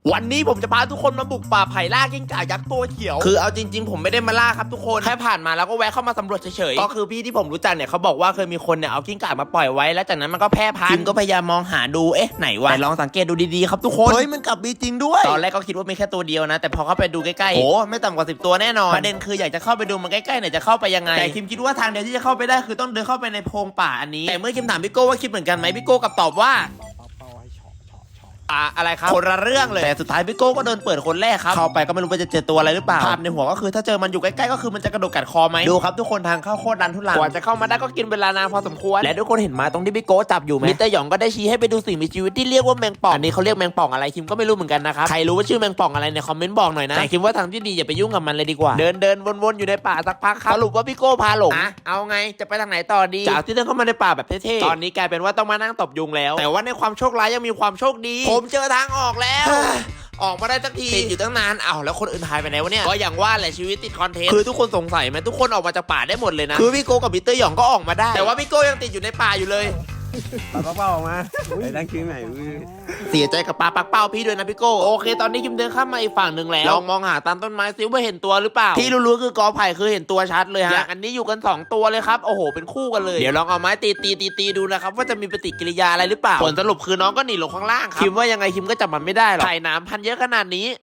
วันนี้ผมจะพาทุกคนมาบุกป่าไผ่ล่ากิ้งก่ายักษ์ตัวเขียวคือเอาจริงๆผมไม่ได้มาล่าครับทุกคนแค่ผ่านมาแล้วก็แวะเข้ามาสำรวจเฉยๆก็คือพี่ที่ผมรู้จักเนี่ยเขาบอกว่าเคยมีคนเนี่ยเอากิ้งก่ามาปล่อยไว้แล้วจากนั้นมันก็แพร่พันธุ์ก็พยายามมองหาดูไหนวะแต่ลองสังเกตดูดีๆครับทุกคนเฮ้ยมันกลับมีจริงด้วยตอนแรกก็คิดว่ามีแค่ตัวเดียวนะแต่พอเข้าไปดูใกล้ๆโอ้ไม่ต่ำกว่า10 ตัวแน่นอนประเด็นคืออยากจะเข้าไปดูมันใกล้ๆเนี่ยจะเข้าไปยังไงแต่คิมคิดว่าทางเดียวที่จะเข้าไปได้คือต้องเดินเข้าไปในโพรงป่าอันนี้แต่เมื่อคิมถามพี่โก้ว่าคิดเหมือนกันไหมพี่โก้กลับตอบว่าอะไรครับคนละเรื่องเลยแต่สุดท้ายพี่โก้ก็เดินเปิดคนแรกครับเข้าไปก็ไม่รู้ว่าจะเจอตัวอะไรหรือเปล่าภาพในหัวก็คือถ้าเจอมันอยู่ใกล้ๆก็คือมันจะกระโดดกัดคอไหมดูครับทุกคนทางเข้าโคตรดันทุลังกว่าจะเข้ามาได้ก็กินเวลานานพอสมควรและทุกคนเห็นมาตรงที่พี่โก้จับอยู่ไหมมิสเตอร์หยองก็ได้ชี้ให้ไปดูสิ่งมีชีวิตที่เรียกว่าแมงป่องอันนี้เขาเรียกแมงป่องอะไรคิมก็ไม่รู้เหมือนกันนะครับใครรู้ว่าชื่อแมงป่องอะไรในคอมเมนต์บอกหน่อยนะแต่คิมว่าทางที่ดีอย่าไปยุ่งกับมันเลยดีกว่าเดินวนๆอยู่ในป่าสักพักครับสรุปว่าพี่โก้พาหลงเอาไงจะไปทางไหนต่อดีจากที่เดินเข้ามาในป่าแบบเท่ๆตอนนี้กลายเป็นว่าต้องมานั่งตบยุงแล้วแต่ว่าในความโชคร้ายยังมีความโชคดีผมเจอทางออกแล้วออกมาได้สักทีติดอยู่ตั้งนานแล้วคนอื่นหายไปไหนวะเนี่ยก็อย่างว่าแหละชีวิตติดคอนเทนต์คือทุกคนสงสัยไหมทุกคนออกมาจากป่าได้หมดเลยนะคือพี่โก้กับมิสเตอร์หยองก็ออกมาได้แต่ว่าพี่โก้ยังติดอยู่ในป่าอยู่เลยปากเป้าออกมาไอ้ตั้งชื่อใหม่เสียใจกับปลาปักเป้าพี่ด้วยนะพี่โก้โอเคตอนนี้คิมเดินข้ามมาอีกฝั่งหนึ่งแล้วลองมองหาตามต้นไม้ซิว่าเห็นตัวหรือเปล่าที่รู้ๆคือกอไผ่คือเห็นตัวชัดเลยฮะอย่างอันนี้อยู่กัน2ตัวเลยครับโอ้โหเป็นคู่กันเลยเดี๋ยวลองเอาไม้ตีดูนะครับว่าจะมีปฏิกิริยาอะไรหรือเปล่าผลสรุปคือน้องก็หนีลงข้างล่างครับคิมว่ายังไงคิมก็จับมันไม่ได้หรอกไผ่น้ำพันเยอะขนาดนี้